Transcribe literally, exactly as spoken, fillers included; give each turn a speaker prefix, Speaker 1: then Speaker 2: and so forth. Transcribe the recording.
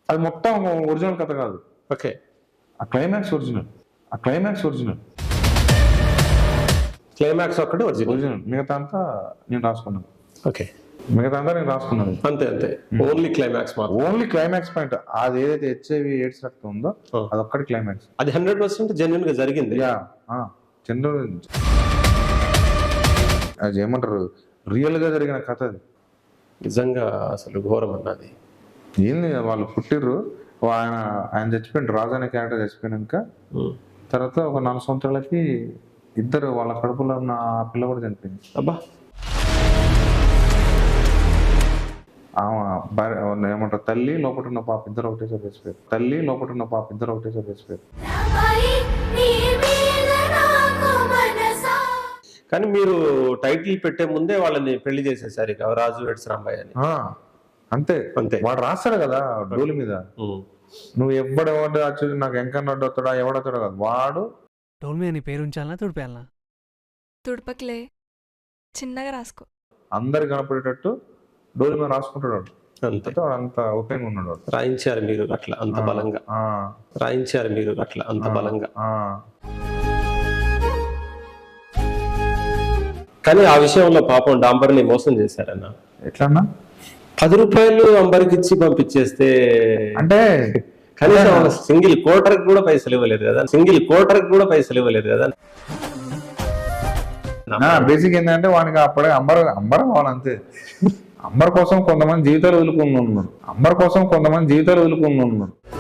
Speaker 1: అది మొత్తం ఒరిజినల్ కథ కాదు.
Speaker 2: ఓకే,
Speaker 1: ఆ క్లైమాక్స్ ఒరిజినల్, ఆ క్లైమాక్స్ ఒరిజినల్,
Speaker 2: క్లైమాక్స్ ఒక్కటి ఒరిజినల్,
Speaker 1: ఒరిజినల్. మిగతా అంతా నేను రాసుకున్నాను.
Speaker 2: ఓకే,
Speaker 1: మిగతా అంతా నేను రాసుకున్నాను.
Speaker 2: అంతే అంతే, ఓన్లీ క్లైమాక్స్ మాత్రం.
Speaker 1: Only climax point. అది ఏదైతే హెచ్ఐవి ఎయిడ్స్ రక్తం ఉందో అదొక్కటి క్లైమాక్స్.
Speaker 2: అది హండ్రెడ్ పర్సెంట్ జెన్యున్ గా జరిగింది.
Speaker 1: యా, చంద్ర అది ఏమంటారు, రియల్ గా జరిగిన కథ అది.
Speaker 2: నిజంగా అసలు ఘోరం అన్నది.
Speaker 1: ఏంది, వాళ్ళు పుట్టిర్రు, ఆయన ఆయన చచ్చిపోయింది, రాజు అనే క్యారెక్టర్ చచ్చిపోయినాక తర్వాత ఒక నాలుగు సంవత్సరాలకి ఇద్దరు వాళ్ళ కడుపులో ఉన్న ఆ పిల్ల కూడా చనిపోయింది.
Speaker 2: అబ్బా,
Speaker 1: ఆమె భార్య ఏమంటారు, తల్లి లోపల ఉన్న పాప ఇద్దరు ఒకటేసారి చచ్చిపోయారు. తల్లి లోపల ఉన్న పాప ఇద్దరు ఒకటేసారి చచ్చిపోయారు.
Speaker 2: కానీ మీరు టైటిల్ పెట్టే ముందే వాళ్ళని పెళ్లి చేసేసారు ఇక, రాజు వెడ్స్ రాంబాయ్ అని.
Speaker 1: అంతే
Speaker 2: అంతే.
Speaker 1: వాడు రాస్తాడు కదా డోలు మీద, నువ్వు ఎవడు ఎవడు వచ్చి నాకు ఎంకన్నా వస్తాడా ఎవడొస్తాడో కాదు, వాడు
Speaker 3: డోల్ మీద నీ పేరు ఉంచాలనా తుడిపేయాలనా?
Speaker 4: తుడపకిలే, చిన్నగా రాసుకో.
Speaker 1: అందరు కనపడేటట్టు డోలు మీద రాసుకుంటాడు వాడు.
Speaker 2: అంతే,
Speaker 1: వాడు అంత ఓపెన్ ఉన్నాడు వాడు.
Speaker 2: రాయించారు మీరు అట్లా అంత బలంగా, రాయించారు మీరు అట్లా అంత బలంగా. కానీ ఆ విషయంలో పాపం డాంబర్ని మోసం చేశారన్న.
Speaker 1: ఎట్లన్నా
Speaker 2: పది రూపాయలు అంబర్కి ఇచ్చి పంపించేస్తే
Speaker 1: అంటే
Speaker 2: కనీసం సింగిల్ కోటర్ కూడా పైసలు ఇవ్వలేదు కదా, సింగిల్ కోటర్ కూడా పైసలు ఇవ్వలేదు కదా.
Speaker 1: బేసిక్ ఏంటంటే వానికి అప్పుడే అంబర్ అంబర్ కావాలంతే. అంబర్ కోసం కొంతమంది జీవితాలు వదులుకుని ఉన్నాడు, అంబర్ కోసం కొంతమంది జీవితాలు వదులుకుని ఉన్నాడు.